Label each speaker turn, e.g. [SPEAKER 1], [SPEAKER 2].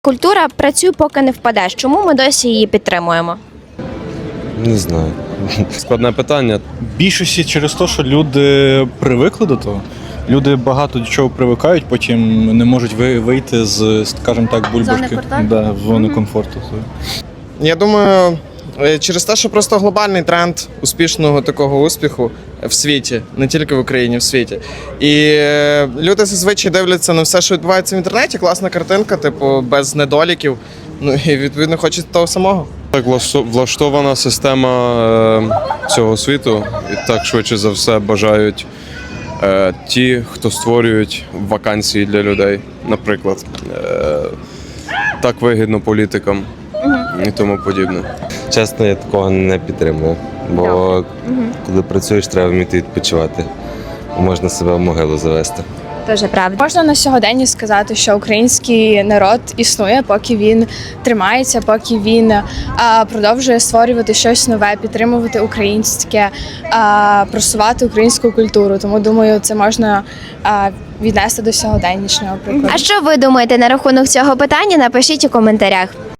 [SPEAKER 1] Культура «працюй, поки не впадеш». Чому ми досі її підтримуємо?
[SPEAKER 2] Не знаю.
[SPEAKER 3] Складне питання.
[SPEAKER 4] Більшості через те, що люди привикли до того. Люди багато до чого привикають, потім не можуть вийти з, скажімо так, бульбашки. В зони комфорту.
[SPEAKER 5] Я думаю, через те, що просто глобальний тренд успішного такого успіху в світі, не тільки в Україні, в світі. І люди зазвичай дивляться на все, що відбувається в інтернеті, класна картинка, типу, без недоліків. Ну і відповідно хочуть того самого.
[SPEAKER 3] Так влаштована система цього світу, і так швидше за все бажають ті, хто створюють вакансії для людей, наприклад. Так вигідно політикам і тому подібне.
[SPEAKER 2] Чесно, я такого не підтримую. Бо коли працюєш, треба вміти відпочивати. Можна себе в могилу завести.
[SPEAKER 1] Дуже правда.
[SPEAKER 6] Можна на сьогодення сказати, що український народ існує, поки він тримається, поки він продовжує створювати щось нове, підтримувати українське, просувати українську культуру. Тому, думаю, це можна віднести до сьогоднішнього прикладу.
[SPEAKER 1] А що ви думаєте на рахунок цього питання? Напишіть у коментарях.